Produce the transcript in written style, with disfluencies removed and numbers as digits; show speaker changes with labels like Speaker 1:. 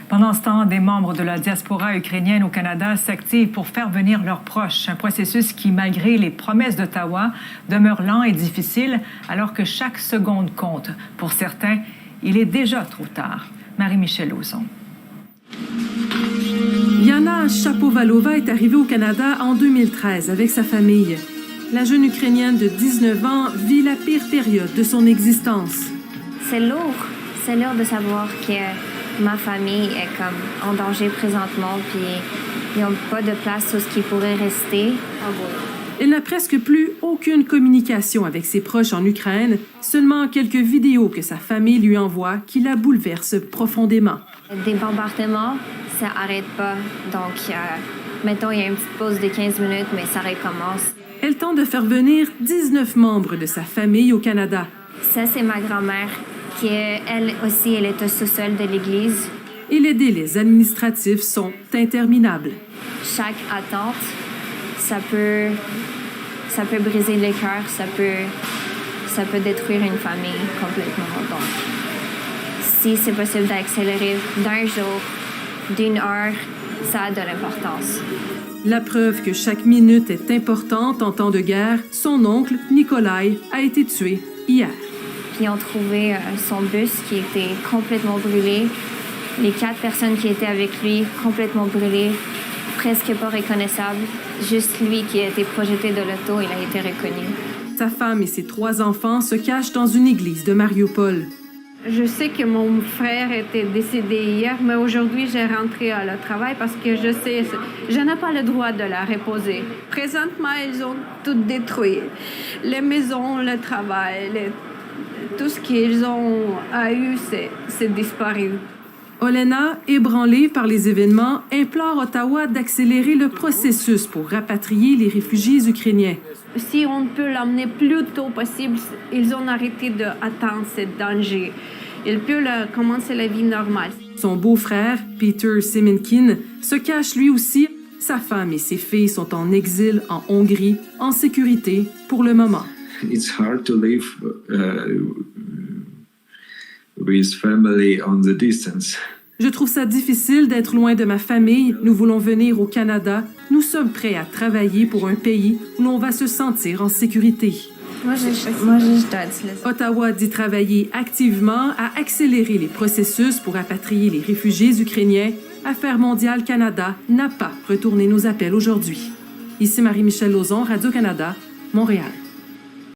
Speaker 1: Pendant ce temps, des membres de la diaspora ukrainienne au Canada s'activent pour faire venir leurs proches. Un processus qui, malgré les promesses d'Ottawa, demeure lent et difficile alors que chaque seconde compte. Pour certains, il est déjà trop tard. Marie-Michel Lauzon.
Speaker 2: Yana Shapovalova est arrivée au Canada en 2013 avec sa famille. La jeune Ukrainienne de 19 ans vit la pire période de son existence.
Speaker 3: C'est lourd. C'est lourd de savoir que ma famille est comme en danger présentement, puis ils n'ont pas de place où ce qui pourrait rester.
Speaker 2: Elle n'a presque plus aucune communication avec ses proches en Ukraine, seulement quelques vidéos que sa famille lui envoie qui la bouleversent profondément.
Speaker 3: Des bombardements, ça n'arrête pas. Donc, mettons, il y a une petite pause de 15 minutes, mais ça recommence.
Speaker 2: Elle tente de faire venir 19 membres de sa famille au Canada.
Speaker 3: Ça, c'est ma grand-mère, qui, elle aussi, elle est au sous-sol de l'église.
Speaker 2: Et les délais administratifs sont interminables.
Speaker 3: Chaque attente, ça peut briser le cœur, ça peut détruire une famille complètement. Donc, si c'est possible d'accélérer d'un jour, d'une heure, ça a de l'importance.
Speaker 2: La preuve que chaque minute est importante en temps de guerre, son oncle, Nikolai, a été tué hier.
Speaker 3: Puis ils ont trouvé son bus qui était complètement brûlé. Les 4 personnes qui étaient avec lui, complètement brûlées, presque pas reconnaissables. Juste lui qui a été projeté de l'auto, il a été reconnu.
Speaker 2: Sa femme et ses 3 enfants se cachent dans une église de Mariupol.
Speaker 4: Je sais que mon frère était décédé hier, mais aujourd'hui, j'ai rentré à le travail parce que je sais, je n'ai pas le droit de la reposer. Présentement, ils ont tout détruit. Les maisons, le travail, tout ce qu'ils ont eu, c'est disparu.
Speaker 2: Olena, ébranlée par les événements, implore Ottawa d'accélérer le processus pour rapatrier les réfugiés ukrainiens.
Speaker 4: Si on peut l'emmener plus tôt possible, ils ont arrêté d'attendre ce danger. Ils peuvent commencer la vie normale.
Speaker 2: Son beau-frère, Peter Semenkin, se cache lui aussi. Sa femme et ses filles sont en exil en Hongrie, en sécurité pour le moment.
Speaker 5: It's hard to live with family on the distance.
Speaker 2: Je trouve ça difficile d'être loin de ma famille. Nous voulons venir au Canada. Nous sommes prêts à travailler pour un pays où l'on va se sentir en sécurité.
Speaker 3: Moi, je dois être là.
Speaker 2: Ottawa dit travailler activement à accélérer les processus pour rapatrier les réfugiés ukrainiens. Affaires mondiales Canada n'a pas retourné nos appels aujourd'hui. Ici Marie-Michel Lauzon, Radio-Canada, Montréal.